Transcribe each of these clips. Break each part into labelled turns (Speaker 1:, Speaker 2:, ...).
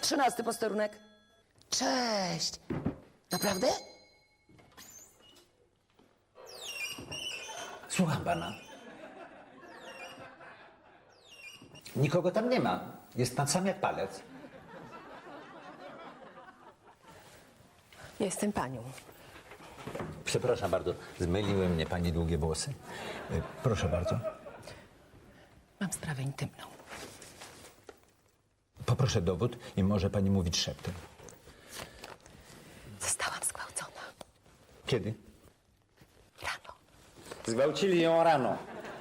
Speaker 1: 13 posterunek. Cześć. Naprawdę?
Speaker 2: Słucham pana. Nikogo tam nie ma. Jest pan sam jak palec.
Speaker 3: Jestem panią.
Speaker 2: Przepraszam bardzo, zmyliły mnie pani długie włosy. Proszę bardzo.
Speaker 3: Mam sprawę intymną.
Speaker 2: Poproszę dowód i może pani mówić szeptem.
Speaker 3: Zostałam zgwałcona.
Speaker 2: Kiedy?
Speaker 3: Rano.
Speaker 2: Zgwałcili ją rano.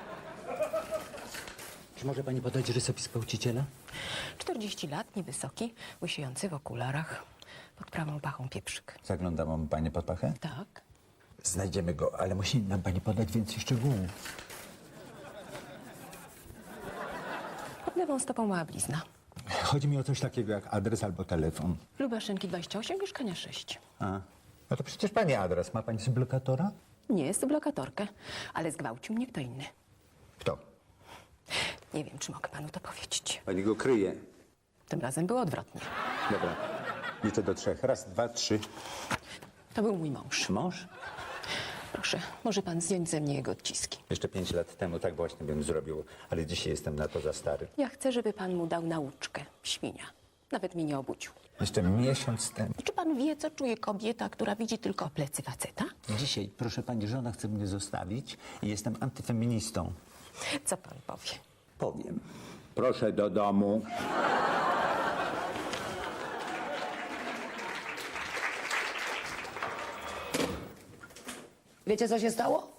Speaker 2: Czy może pani podać rysopis gwałciciela?
Speaker 3: 40 lat, niewysoki, łysiejący w okularach, pod prawą pachą pieprzyk.
Speaker 2: Zaglądałam pani pod pachę?
Speaker 3: Tak.
Speaker 2: Znajdziemy go, ale musi nam pani podać więcej szczegółów.
Speaker 3: Pod lewą stopą mała blizna.
Speaker 2: Chodzi mi o coś takiego jak adres albo telefon.
Speaker 3: Lubaszynki 28, mieszkania 6.
Speaker 2: A, no to przecież pani adres. Ma pani sublokatora?
Speaker 3: Nie jest to blokatorkę, ale zgwałcił mnie kto inny.
Speaker 2: Kto?
Speaker 3: Nie wiem, czy mogę panu to powiedzieć.
Speaker 2: Pani go kryje.
Speaker 3: Tym razem było odwrotnie.
Speaker 2: Dobra. Liczę do 3. Raz, 2, 3.
Speaker 3: To był mój mąż.
Speaker 2: Mąż?
Speaker 3: Proszę, może pan zdjąć ze mnie jego odciski.
Speaker 2: Jeszcze 5 lat temu tak właśnie bym zrobił, ale dzisiaj jestem na to za stary.
Speaker 3: Ja chcę, żeby pan mu dał nauczkę. Świnia. Nawet mnie nie obudził.
Speaker 2: Jeszcze miesiąc temu.
Speaker 3: Czy pan wie, co czuje kobieta, która widzi tylko plecy faceta?
Speaker 2: Dzisiaj, proszę pani, żona chce mnie zostawić i jestem antyfeministą.
Speaker 3: Co pan powie?
Speaker 2: Powiem. Proszę do domu.
Speaker 1: Wiecie, co się stało?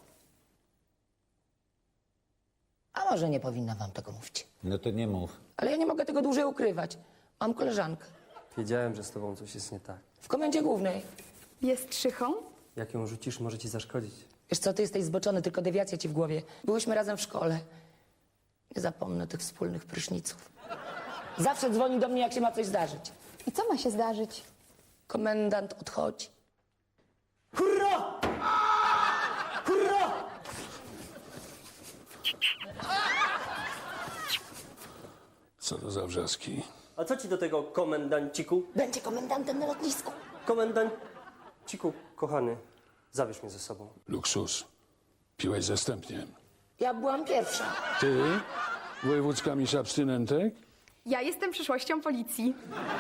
Speaker 1: A może nie powinna wam tego mówić.
Speaker 2: No to nie mów.
Speaker 1: Ale ja nie mogę tego dłużej ukrywać. Mam koleżankę
Speaker 4: Wiedziałem, że z tobą coś jest nie tak.
Speaker 1: w komendzie głównej.
Speaker 5: Jest szychą?
Speaker 4: Jak ją rzucisz, może ci zaszkodzić.
Speaker 1: Wiesz co, ty jesteś zboczony, tylko dewiacja ci w głowie. Byłyśmy razem w szkole. Nie zapomnę tych wspólnych pryszniców. Zawsze dzwoni do mnie, jak się ma coś zdarzyć.
Speaker 5: I co ma się zdarzyć?
Speaker 1: Komendant odchodzi. Hurra! Hurra!
Speaker 6: Co to za wrzaski?
Speaker 4: A co ci do tego, komendanciku?
Speaker 1: Będzie komendantem na lotnisku.
Speaker 4: Komendanciku, kochany, zabierz mnie ze sobą.
Speaker 6: Luksus. Piłeś zastępnie.
Speaker 1: Ja byłam pierwsza.
Speaker 6: Ty? Wojewódzka mistrz abstynentek?
Speaker 5: Ja jestem przyszłością policji.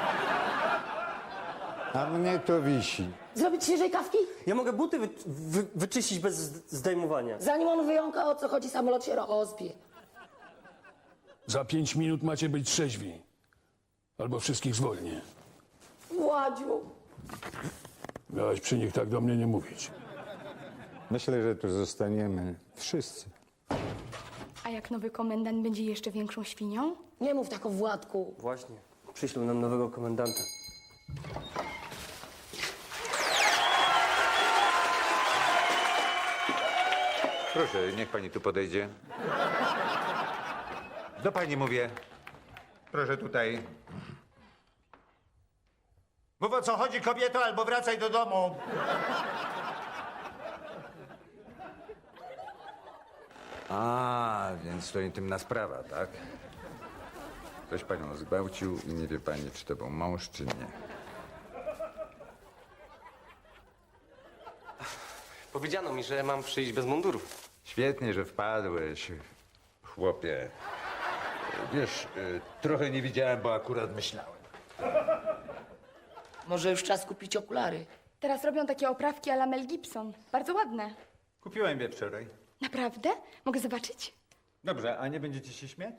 Speaker 7: A mnie to wisi.
Speaker 1: Zrobić świeżej kawki?
Speaker 4: Ja mogę buty wyczyścić bez zdejmowania.
Speaker 1: Zanim on wyjąka, o co chodzi, samolot się rozbije.
Speaker 6: Za 5 minut macie być trzeźwi. Albo wszystkich zwolnię.
Speaker 1: Władziu.
Speaker 6: Miałaś przy nich tak do mnie nie mówić.
Speaker 7: Myślę, że tu zostaniemy wszyscy.
Speaker 5: A jak nowy komendant będzie jeszcze większą świnią?
Speaker 1: Nie mów tak o Władku.
Speaker 4: Właśnie, przyślą nam nowego komendanta.
Speaker 2: Proszę, niech pani tu podejdzie. Do pani mówię. Proszę tutaj. Mów, o co chodzi, kobieto, albo wracaj do domu. A, więc to intymna sprawa, tak? Ktoś panią zgwałcił i nie wie pani, czy to był mąż, czy nie.
Speaker 4: Powiedziano mi, że mam przyjść bez munduru.
Speaker 2: Świetnie, że wpadłeś, chłopie. Wiesz, trochę nie widziałem, bo akurat myślałem.
Speaker 1: Może już czas kupić okulary.
Speaker 5: Teraz robią takie oprawki à la Mel Gibson. Bardzo ładne.
Speaker 2: Kupiłem je wczoraj.
Speaker 5: Naprawdę? Mogę zobaczyć?
Speaker 2: Dobrze, a nie będziecie się śmiać?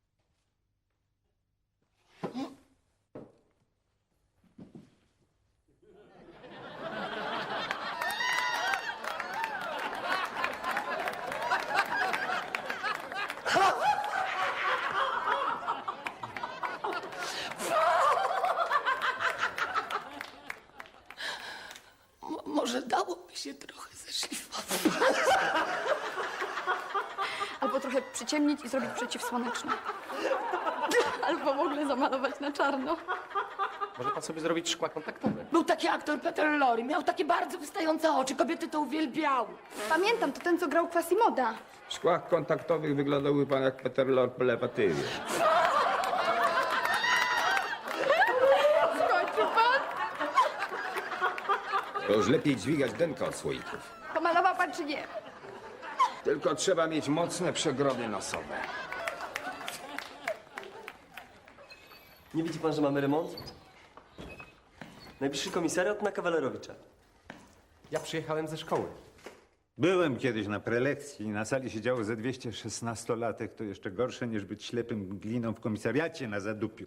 Speaker 1: Może dałoby się trochę zeszlifować.
Speaker 5: Albo trochę przyciemnić i zrobić przeciwsłoneczne. Albo w ogóle zamalować na czarno.
Speaker 4: Może pan sobie zrobić szkła kontaktowe?
Speaker 1: Był taki aktor Peter Lorre, miał takie bardzo wystające oczy, kobiety to uwielbiały.
Speaker 5: Pamiętam, to ten, co grał Quasimoda.
Speaker 7: W szkłach kontaktowych wyglądałby pan jak Peter Lorre po lewatywie.
Speaker 2: To już lepiej dźwigać denka od słoików.
Speaker 5: Pomalował pan czy nie?
Speaker 2: Tylko trzeba mieć mocne przegrody nosowe.
Speaker 4: Nie widzi pan, że mamy remont? Najbliższy komisariat na Kawalerowicza. Ja przyjechałem ze szkoły.
Speaker 7: Byłem kiedyś na prelekcji i na sali siedziało ze 216-latek. To jeszcze gorsze niż być ślepym gliną w komisariacie na zadupiu.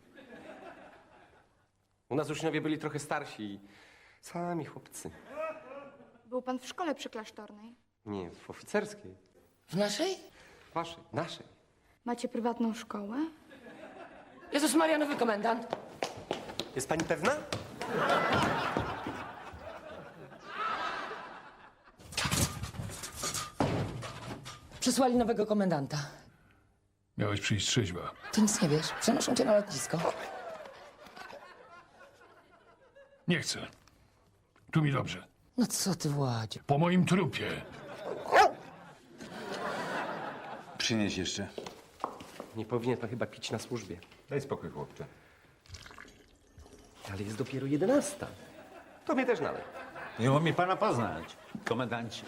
Speaker 4: U nas uczniowie byli trochę starsi i sami chłopcy.
Speaker 5: Był pan w szkole przyklasztornej.
Speaker 4: Nie, w oficerskiej.
Speaker 1: W naszej?
Speaker 4: Waszej, naszej.
Speaker 5: Macie prywatną szkołę?
Speaker 1: Jezus Maria, nowy komendant.
Speaker 4: Jest pani pewna?
Speaker 1: Przysłali nowego komendanta.
Speaker 6: Miałeś przyjść trzeźwa.
Speaker 1: Ty nic nie wiesz. Przenoszą cię na lotnisko.
Speaker 6: Nie chcę. Tu mi dobrze.
Speaker 1: No co ty, Władzie?
Speaker 6: Po moim trupie.
Speaker 7: Przynieś jeszcze.
Speaker 4: Nie powinien pan chyba pić na służbie.
Speaker 2: Daj spokój, chłopcze.
Speaker 4: Ale jest dopiero 11. To mnie też nalej.
Speaker 7: Miło mi pana poznać, komendancie.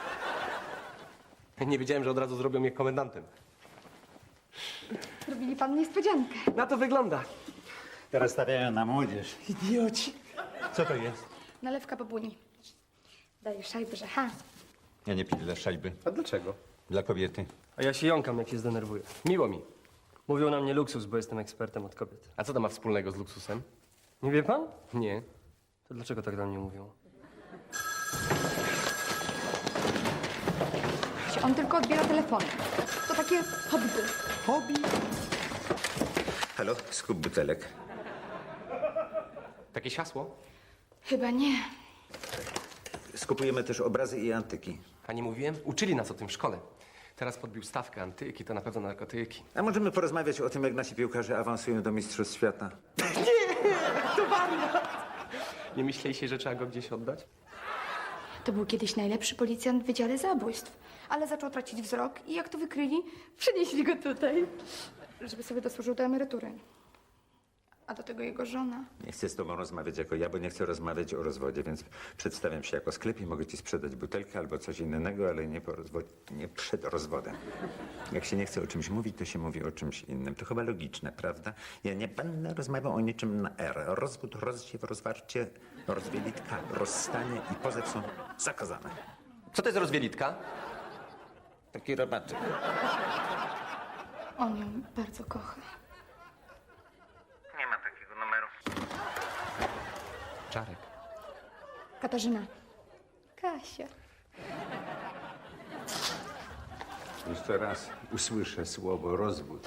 Speaker 4: Nie wiedziałem, że od razu zrobią mnie komendantem.
Speaker 5: Zrobili pan niespodziankę.
Speaker 4: Na to wygląda.
Speaker 7: Teraz stawiają na młodzież.
Speaker 4: Idioci.
Speaker 7: Co to jest?
Speaker 5: Nalewka babuni. Daję szajby, że ha.
Speaker 7: Ja nie piję dla szajby.
Speaker 4: A dlaczego?
Speaker 7: Dla kobiety.
Speaker 4: A ja się jąkam, jak się zdenerwuję. Miło mi. Mówią na mnie luksus, bo jestem ekspertem od kobiet. A co to ma wspólnego z luksusem? Nie wie pan? Nie. To dlaczego tak do mnie mówią?
Speaker 5: On tylko odbiera telefony. To takie hobby.
Speaker 4: Hobby?
Speaker 7: Halo, skup butelek.
Speaker 4: Jakieś hasło?
Speaker 5: Chyba nie.
Speaker 7: Skupujemy też obrazy i antyki.
Speaker 4: A nie mówiłem? Uczyli nas o tym w szkole. Teraz podbił stawkę antyki, to na pewno narkotyki.
Speaker 7: A możemy porozmawiać o tym, jak nasi piłkarze awansują do Mistrzostw Świata?
Speaker 4: Nie myśleliście, że trzeba go gdzieś oddać?
Speaker 5: To był kiedyś najlepszy policjant w Wydziale Zabójstw. Ale zaczął tracić wzrok i jak to wykryli, przenieśli go tutaj, żeby sobie dosłużył do emerytury. A do tego jego żona.
Speaker 7: Nie chcę z tobą rozmawiać jako ja, bo nie chcę rozmawiać o rozwodzie, więc przedstawiam się jako sklep i mogę ci sprzedać butelkę albo coś innego, ale nie po rozwodzie, nie przed rozwodem. Jak się nie chce o czymś mówić, to się mówi o czymś innym. To chyba logiczne, prawda? Ja nie będę rozmawiał o niczym na R. Rozwód, rozziew, rozwarcie, rozwielitka, rozstanie i pozew są zakazane.
Speaker 4: Co to jest rozwielitka?
Speaker 7: Taki robaczek.
Speaker 5: On ją bardzo kocha.
Speaker 7: Nie ma takiego numeru.
Speaker 4: Czarek.
Speaker 5: Katarzyna. Kasia.
Speaker 7: Jeszcze raz usłyszę słowo rozwód.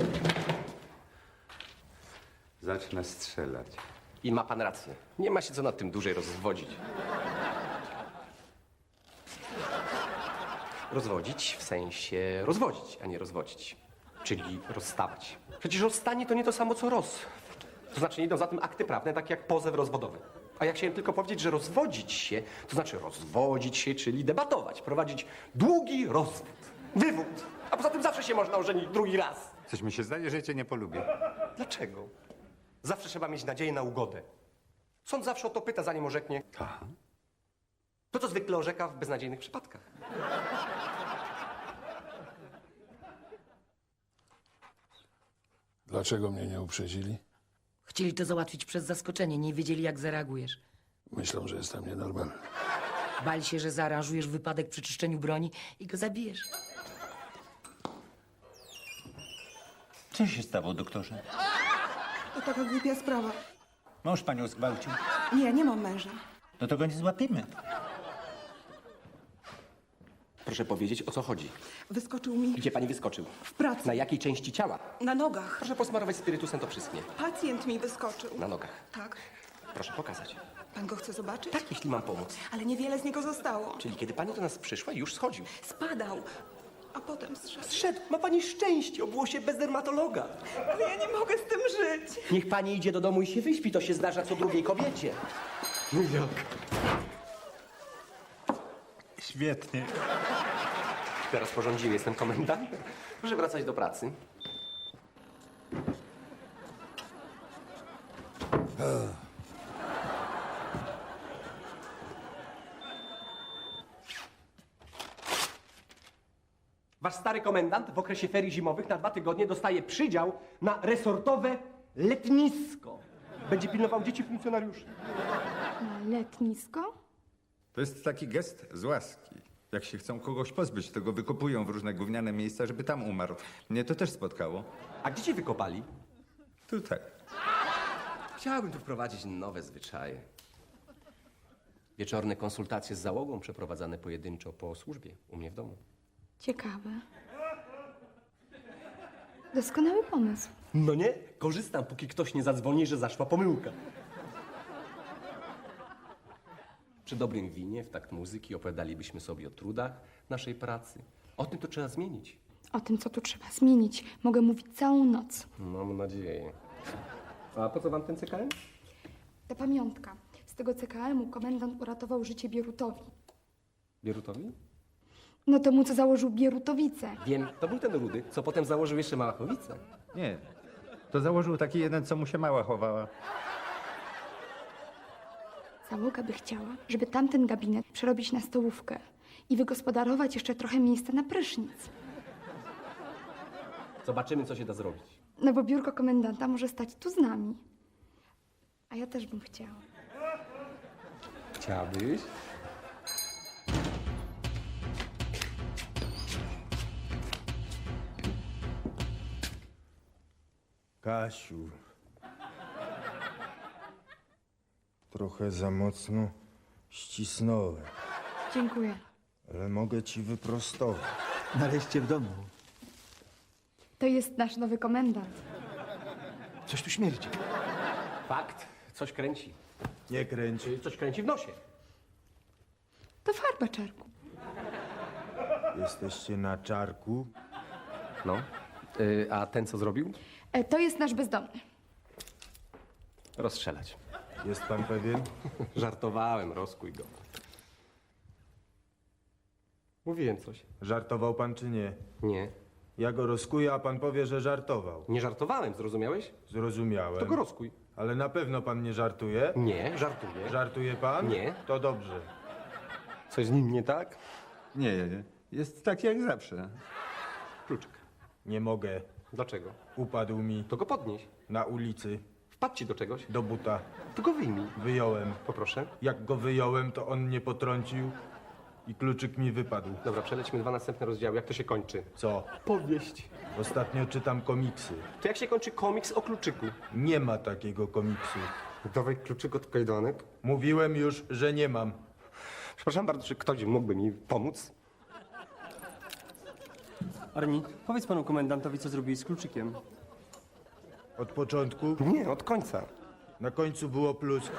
Speaker 7: Zacznę strzelać.
Speaker 4: I ma pan rację. Nie ma się co nad tym dłużej rozwodzić. Rozwodzić w sensie rozwodzić, a nie rozwodzić. Czyli rozstawać. Przecież rozstanie to nie to samo co roz. To znaczy nie idą za tym akty prawne, takie jak pozew rozwodowy. A ja chciałem tylko powiedzieć, że rozwodzić się, to znaczy rozwodzić się, czyli debatować, prowadzić długi rozwód, wywód. A poza tym zawsze się można ożenić drugi raz.
Speaker 7: Coś mi się zdaje, że cię nie polubię.
Speaker 4: Dlaczego? Zawsze trzeba mieć nadzieję na ugodę. Sąd zawsze o to pyta, zanim orzeknie.
Speaker 7: Aha.
Speaker 4: To, co zwykle orzeka w beznadziejnych przypadkach.
Speaker 6: Dlaczego mnie nie uprzedzili?
Speaker 1: Chcieli to załatwić przez zaskoczenie. Nie wiedzieli, jak zareagujesz.
Speaker 6: Myślą, że jestem nienormalny.
Speaker 1: Bali się, że zaaranżujesz wypadek przy czyszczeniu broni i go zabijesz.
Speaker 7: Co się stało, doktorze?
Speaker 8: To taka głupia sprawa.
Speaker 7: Mąż panią zgwałcił.
Speaker 8: Nie, nie mam męża.
Speaker 7: No to go nie złapiemy.
Speaker 4: Proszę powiedzieć, o co chodzi.
Speaker 8: Wyskoczył mi
Speaker 4: Gdzie pani wyskoczył?
Speaker 8: w pracy,
Speaker 4: Na jakiej części ciała?
Speaker 8: na nogach.
Speaker 4: Proszę posmarować spirytusem, to przyschnie.
Speaker 8: Pacjent mi wyskoczył.
Speaker 4: Na nogach.
Speaker 8: Tak.
Speaker 4: Proszę pokazać.
Speaker 8: Pan go chce zobaczyć?
Speaker 4: Tak, jeśli mam pomóc.
Speaker 8: Ale niewiele z niego zostało.
Speaker 4: Czyli kiedy pani do nas przyszła, już schodził.
Speaker 8: Spadał, a potem zszedł.
Speaker 4: Zszedł. Ma pani szczęście, obyło się bez dermatologa.
Speaker 8: Ale ja nie mogę z tym żyć.
Speaker 4: Niech pani idzie do domu i się wyśpi, to się zdarza co drugiej kobiecie. Jak?
Speaker 7: Świetnie.
Speaker 4: Teraz porządziły, jestem komendantem. Proszę wracać do pracy. Wasz stary komendant w okresie ferii zimowych na 2 tygodnie dostaje przydział na resortowe letnisko. Będzie pilnował dzieci funkcjonariuszy.
Speaker 5: Na letnisko?
Speaker 7: To jest taki gest z łaski. Jak się chcą kogoś pozbyć, to go wykopują w różne gówniane miejsca, żeby tam umarł. Mnie to też spotkało.
Speaker 4: A gdzie cię wykopali?
Speaker 7: Tutaj.
Speaker 4: Chciałbym tu wprowadzić nowe zwyczaje. Wieczorne konsultacje z załogą przeprowadzane pojedynczo po służbie u mnie w domu.
Speaker 5: Ciekawe. Doskonały pomysł.
Speaker 4: No nie? Korzystam, póki ktoś nie zadzwoni, że zaszła pomyłka. Przy dobrym winie, w takt muzyki opowiadalibyśmy sobie o trudach naszej pracy. O tym to trzeba zmienić.
Speaker 5: O tym, co tu trzeba zmienić, mogę mówić całą noc.
Speaker 4: Mam nadzieję. A po co wam ten CKM?
Speaker 5: Ta pamiątka. Z tego CKM-u komendant uratował życie Bierutowi.
Speaker 4: Bierutowi?
Speaker 5: No temu, co założył Bierutowice.
Speaker 4: Wiem, to był ten rudy, co potem założył jeszcze Małachowicę.
Speaker 7: Nie. To założył taki jeden, co mu się mała chowała.
Speaker 5: Załoga by chciała, żeby tamten gabinet przerobić na stołówkę i wygospodarować jeszcze trochę miejsca na prysznic.
Speaker 4: Zobaczymy, co się da zrobić.
Speaker 5: No bo biurko komendanta może stać tu z nami. A ja też bym chciała.
Speaker 4: Chciałabyś?
Speaker 9: Kasiu. Trochę za mocno ścisnąłem,
Speaker 5: Dziękuję.
Speaker 9: ale mogę ci wyprostować.
Speaker 10: Nareszcie w domu.
Speaker 5: To jest nasz nowy komendant.
Speaker 10: Coś tu śmierdzi.
Speaker 4: Fakt, coś kręci.
Speaker 9: Nie kręć.
Speaker 4: Coś kręci w nosie.
Speaker 5: To farba czarku.
Speaker 9: Jesteście na czarku.
Speaker 4: No. A ten, co zrobił?
Speaker 5: To jest nasz bezdomny.
Speaker 4: Rozstrzelać.
Speaker 9: Jest pan pewien?
Speaker 4: Żartowałem, rozkuj go. Mówiłem coś.
Speaker 9: Żartował pan czy nie?
Speaker 4: Nie.
Speaker 9: Ja go rozkuję, a pan powie, że żartował.
Speaker 4: Nie żartowałem, zrozumiałeś?
Speaker 9: Zrozumiałem.
Speaker 4: To go rozkuj.
Speaker 9: Ale na pewno pan nie żartuje?
Speaker 4: Nie, żartuję.
Speaker 9: Żartuje pan?
Speaker 4: Nie.
Speaker 9: To dobrze.
Speaker 4: Coś z nim nie tak?
Speaker 7: Nie, jest tak jak zawsze.
Speaker 4: Kluczyk.
Speaker 9: Nie mogę.
Speaker 4: Dlaczego?
Speaker 9: Upadł mi
Speaker 4: To go podnieś.
Speaker 9: na ulicy
Speaker 4: Wpadł ci do czegoś.
Speaker 9: do buta.
Speaker 4: To go wyjmij.
Speaker 9: Wyjąłem.
Speaker 4: Poproszę.
Speaker 9: Jak go wyjąłem, to on mnie potrącił i kluczyk mi wypadł.
Speaker 4: Dobra, przelećmy 2 następne rozdziały. Jak to się kończy?
Speaker 9: Co?
Speaker 4: Powieść.
Speaker 9: Ostatnio czytam komiksy.
Speaker 4: To jak się kończy komiks o kluczyku?
Speaker 9: Nie ma takiego komiksu.
Speaker 4: Dawaj kluczyk od kajdanek.
Speaker 9: Mówiłem już, że nie mam.
Speaker 4: Przepraszam bardzo, czy ktoś mógłby mi pomóc?
Speaker 10: Arni, powiedz panu komendantowi, co zrobiłeś z kluczykiem.
Speaker 9: Od początku,
Speaker 4: Nie, od końca.
Speaker 9: na końcu było plusk.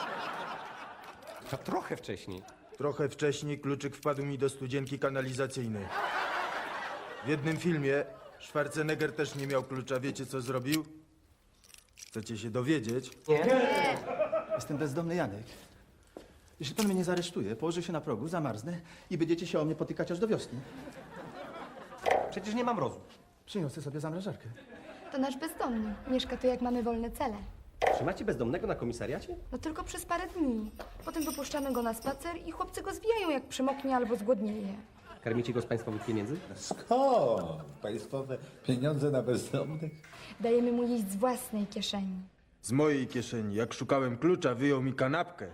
Speaker 4: To trochę wcześniej.
Speaker 9: Trochę wcześniej kluczyk wpadł mi do studzienki kanalizacyjnej. W jednym filmie Schwarzenegger też nie miał klucza. Wiecie, co zrobił? Chcecie się dowiedzieć?
Speaker 10: Jestem bezdomny Janek. Jeśli pan mnie nie zaresztuje, położę się na progu, zamarznę i będziecie się o mnie potykać aż do wiosny.
Speaker 4: Przecież nie mam rozu.
Speaker 10: Przyniosę sobie zamrażarkę.
Speaker 5: To nasz bezdomny. Mieszka tu, jak mamy wolne cele.
Speaker 4: Trzymacie bezdomnego na komisariacie?
Speaker 5: No tylko przez parę dni. Potem wypuszczamy go na spacer i chłopcy go zwijają, jak przemoknie albo zgłodnieje.
Speaker 4: Karmicie go z państwowych pieniędzy?
Speaker 11: Skąd? Państwowe pieniądze na bezdomnych?
Speaker 5: Dajemy mu jeść z własnej kieszeni.
Speaker 9: Z mojej kieszeni. Jak szukałem klucza, wyjął mi kanapkę.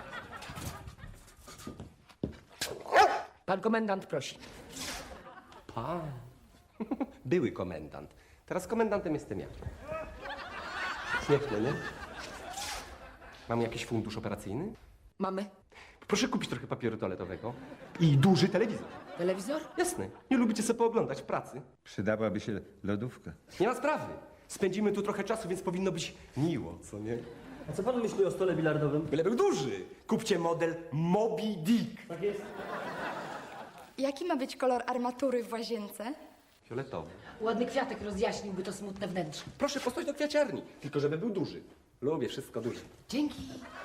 Speaker 1: Pan komendant prosi.
Speaker 4: Pan. Były komendant. Teraz komendantem jestem ja. Śmieszne, nie? Mam jakiś fundusz operacyjny?
Speaker 1: Mamy
Speaker 4: Proszę kupić trochę papieru toaletowego i duży telewizor.
Speaker 1: telewizor?
Speaker 4: Jasne. Nie lubicie sobie pooglądać w pracy.
Speaker 7: Przydałaby się lodówka.
Speaker 4: Nie ma sprawy. Spędzimy tu trochę czasu, więc powinno być miło, co nie?
Speaker 10: A co pan myśli o stole bilardowym?
Speaker 4: Byle był duży. Kupcie model Moby Dick.
Speaker 10: Tak jest.
Speaker 5: Jaki ma być kolor armatury w łazience?
Speaker 4: Fioletowy.
Speaker 1: Ładny kwiatek rozjaśniłby to smutne wnętrze.
Speaker 4: Proszę postać do kwiaciarni, tylko żeby był duży. Lubię wszystko duże.
Speaker 1: Dzięki.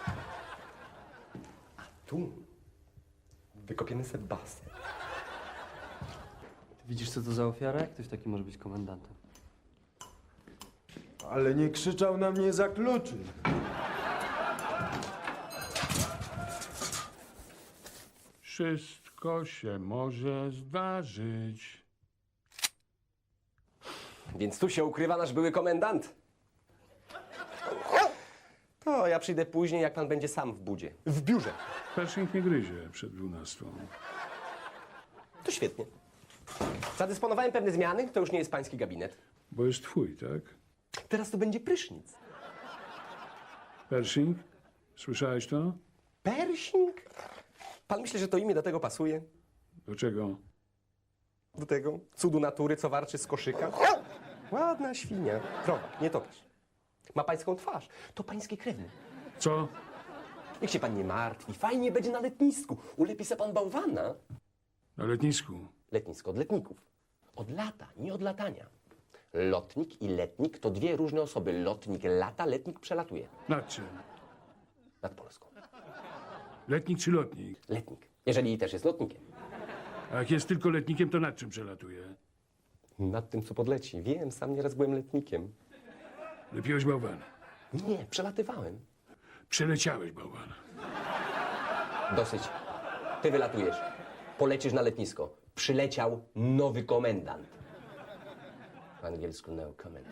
Speaker 4: Tu wykopiemy sobie basen.
Speaker 10: Widzisz, co to za ofiara? Jak ktoś taki może być komendantem?
Speaker 9: Ale nie krzyczał na mnie za kluczy.
Speaker 6: Wszystko się może zdarzyć.
Speaker 4: Więc tu się ukrywa nasz były komendant. To ja przyjdę później, jak pan będzie sam w budzie. W biurze.
Speaker 6: Pershing nie gryzie przed 12.
Speaker 4: To świetnie. Zadysponowałem pewne zmiany, to już nie jest pański gabinet.
Speaker 6: Bo jest twój, tak?
Speaker 4: Teraz to będzie prysznic.
Speaker 6: Pershing? Słyszałeś to?
Speaker 4: Pershing? Pan myśli, że to imię do tego pasuje?
Speaker 6: Do czego?
Speaker 4: Do tego cudu natury, co warczy z koszyka? Ładna świnia. Krowa, nie topisz. Ma pańską twarz. To pański krewny.
Speaker 6: Co?
Speaker 4: Niech się pan nie martwi. Fajnie będzie na letnisku. Ulepi se pan bałwana.
Speaker 6: Na letnisku.
Speaker 4: Letnisko od letników. Od lata, nie od latania. Lotnik i letnik to dwie różne osoby. Lotnik lata, letnik przelatuje.
Speaker 6: Nad czym?
Speaker 4: Nad Polską.
Speaker 6: Letnik czy lotnik?
Speaker 4: Letnik. Jeżeli też jest lotnikiem.
Speaker 6: A jak jest tylko letnikiem, to nad czym przelatuje?
Speaker 4: Nad tym, co podleci. Wiem, sam nieraz byłem letnikiem.
Speaker 6: Lepiłeś bałwana.
Speaker 4: Nie, przelatywałem.
Speaker 6: Przeleciałeś bałwana.
Speaker 4: Dosyć. Ty wylatujesz. Polecisz na letnisko. Przyleciał nowy komendant. Po angielsku no comment.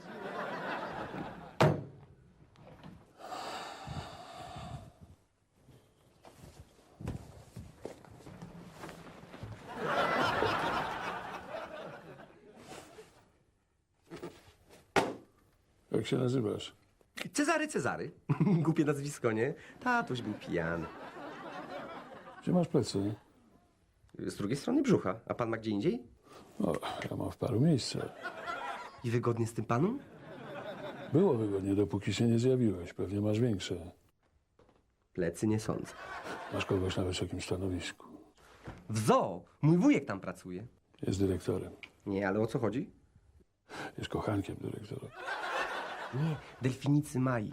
Speaker 6: Jak się nazywasz?
Speaker 4: Cezary. Głupie nazwisko, nie? Tatuś był pijany.
Speaker 6: Gdzie masz plecy?
Speaker 4: Z drugiej strony brzucha. A pan ma gdzie indziej?
Speaker 6: O, ja mam w paru miejscach.
Speaker 4: I wygodnie z tym panem?
Speaker 6: Było wygodnie, dopóki się nie zjawiłeś. Pewnie masz większe.
Speaker 4: Plecy nie sądzę.
Speaker 6: Masz kogoś na wysokim stanowisku.
Speaker 4: W zoo. Mój wujek tam pracuje.
Speaker 6: Jest dyrektorem.
Speaker 4: Nie, ale o co chodzi?
Speaker 6: Jest kochankiem dyrektora.
Speaker 4: Nie, delfinicy Mai.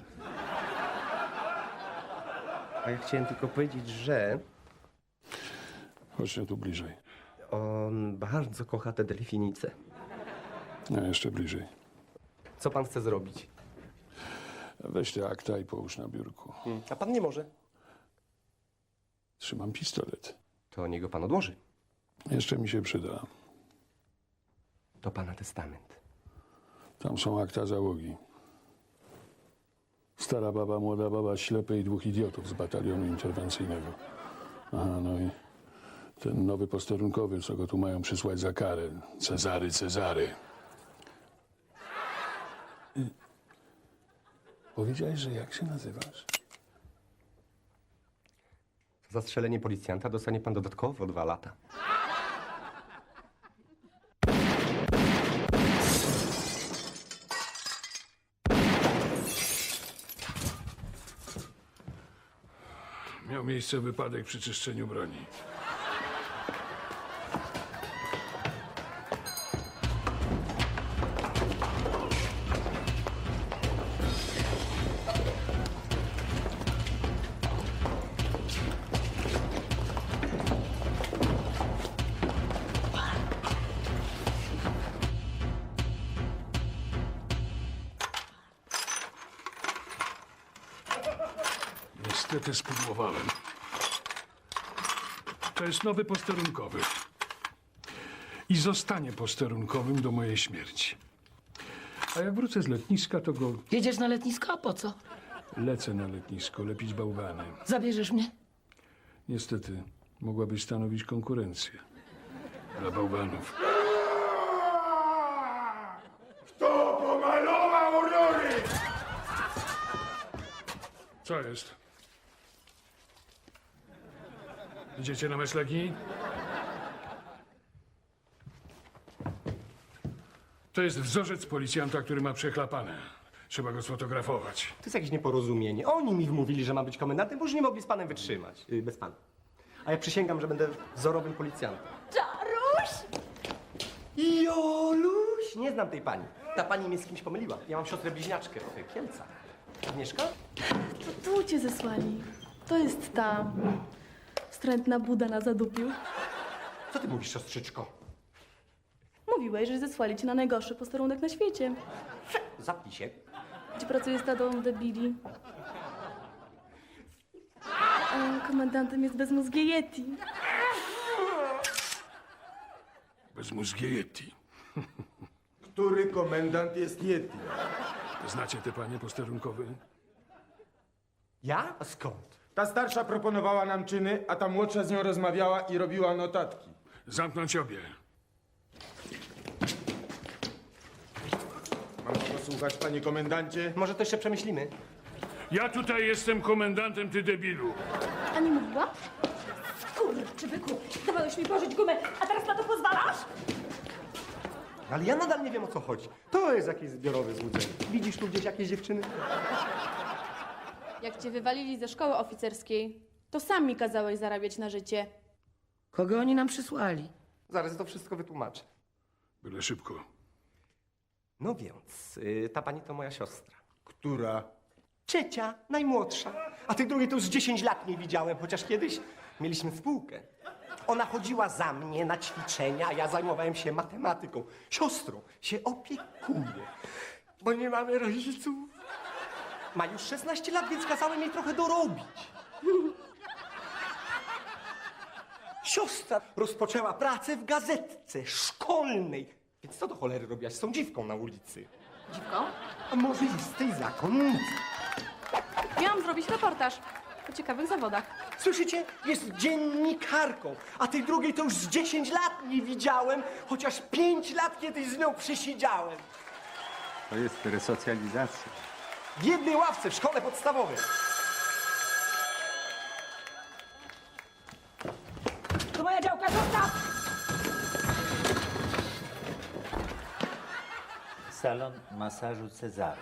Speaker 4: A ja chciałem tylko powiedzieć, że
Speaker 6: Chodźcie tu bliżej.
Speaker 4: on bardzo kocha te delfinice.
Speaker 6: A jeszcze bliżej.
Speaker 4: Co pan chce zrobić?
Speaker 6: Weź te akta i połóż na biurku.
Speaker 4: A pan nie może.
Speaker 6: Trzymam pistolet.
Speaker 4: To niech go pan odłoży.
Speaker 6: Jeszcze mi się przyda.
Speaker 4: To pana testament.
Speaker 6: Tam są akta załogi. Stara baba, młoda baba, ślepy i dwóch idiotów z batalionu interwencyjnego. Aha, no i ten nowy posterunkowy, co go tu mają przysłać za karę. Cezary. Powiedziałeś, że jak się nazywasz?
Speaker 4: Za zastrzelenie policjanta dostanie pan dodatkowo 2 lata.
Speaker 6: Miał miejsce wypadek przy czyszczeniu broni. Niestety spudłowałem. To jest nowy posterunkowy. I zostanie posterunkowym do mojej śmierci. A jak wrócę z letniska, to go
Speaker 1: Jedziesz na letnisko, a po co?
Speaker 6: lecę na letnisko, lepić bałwany.
Speaker 1: Zabierzesz mnie?
Speaker 6: Niestety, mogłabyś stanowić konkurencję dla bałwanów.
Speaker 11: Kto pomalował rury?
Speaker 6: Co jest? Idziecie na mesleki? To jest wzorzec policjanta, który ma przechlapane. Trzeba go sfotografować.
Speaker 4: To jest jakieś nieporozumienie. Oni mi wmówili, że mam być komendantem, bo już nie mogli z panem wytrzymać. Bez pana. A ja przysięgam, że będę wzorowym policjantem.
Speaker 8: Czaruś!
Speaker 4: Joluś! Nie znam tej pani. Ta pani mnie z kimś pomyliła. Ja mam siostrę bliźniaczkę w Kielcach. Agnieszka?
Speaker 12: Tu cię zesłali. To jest ta wstrętna Buda na zadupiu.
Speaker 4: Co ty mówisz, siostrzyczko?
Speaker 12: Mówiłeś, że zesłali cię na najgorszy posterunek na świecie.
Speaker 4: Zapnij się.
Speaker 12: Gdzie pracuje stadą debili. A komendantem jest bezmózgie Yeti.
Speaker 6: Bezmózgie Yeti.
Speaker 9: Który komendant jest Yeti?
Speaker 6: Znacie te panie posterunkowe?
Speaker 4: Ja? A skąd?
Speaker 9: Ta starsza proponowała nam czyny, a ta młodsza z nią rozmawiała i robiła notatki.
Speaker 6: Zamknąć obie.
Speaker 9: Mam posłuchać, panie komendancie?
Speaker 4: Może to jeszcze przemyślimy?
Speaker 6: Ja tutaj jestem komendantem, ty debilu.
Speaker 12: A nie mówiła?
Speaker 13: Skurczybyku, dawałeś mi pożyć gumę, a teraz na to pozwalasz?
Speaker 4: Ale ja nadal nie wiem, o co chodzi. To jest jakieś zbiorowe złudzenie. Widzisz tu gdzieś jakieś dziewczyny?
Speaker 12: Jak cię wywalili ze szkoły oficerskiej, to sam mi kazałeś zarabiać na życie.
Speaker 1: Kogo oni nam przysłali?
Speaker 4: Zaraz to wszystko wytłumaczę.
Speaker 6: Byle szybko.
Speaker 4: No więc, ta pani to moja siostra.
Speaker 9: Która?
Speaker 4: Ciecia, najmłodsza. A tej drugiej to już 10 lat nie widziałem, chociaż kiedyś mieliśmy spółkę. Ona chodziła za mnie na ćwiczenia, a ja zajmowałem się matematyką. Siostrą się opiekuję, bo nie mamy rodziców. Ma już 16 lat, więc kazałem jej trochę dorobić. Siostra rozpoczęła pracę w gazetce szkolnej. Więc co do cholery robiłaś z tą dziwką na ulicy?
Speaker 12: Dziwko?
Speaker 4: A może jest tej zakonnicy?
Speaker 12: Miałam zrobić reportaż o ciekawych zawodach.
Speaker 4: Słyszycie? Jest dziennikarką, a tej drugiej to już z 10 lat nie widziałem, chociaż 5 lat kiedyś z nią przesiedziałem.
Speaker 7: To jest resocjalizacja.
Speaker 4: W jednej ławce w szkole podstawowej.
Speaker 1: To moja działka, zostaw!
Speaker 7: Salon masażu Cezary.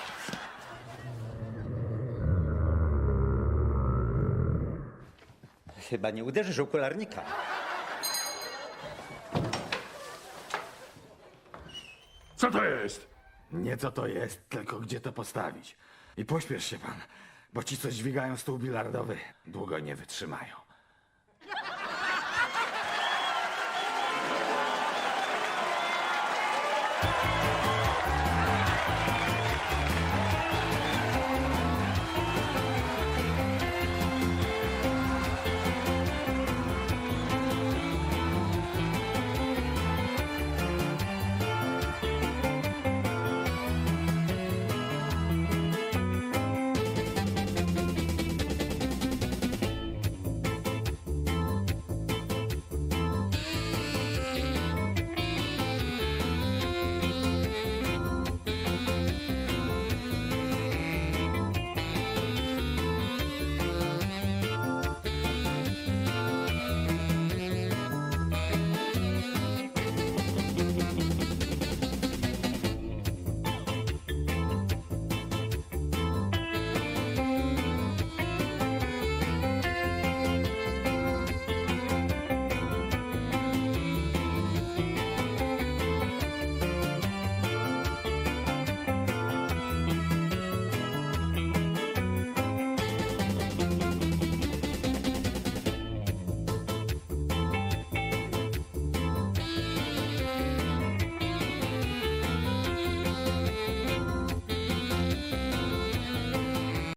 Speaker 7: Chyba nie uderzysz okularnika.
Speaker 6: Co to jest?
Speaker 11: Nie co to jest, tylko gdzie to postawić. I pośpiesz się pan, bo ci, co dźwigają stół bilardowy, długo nie wytrzymają.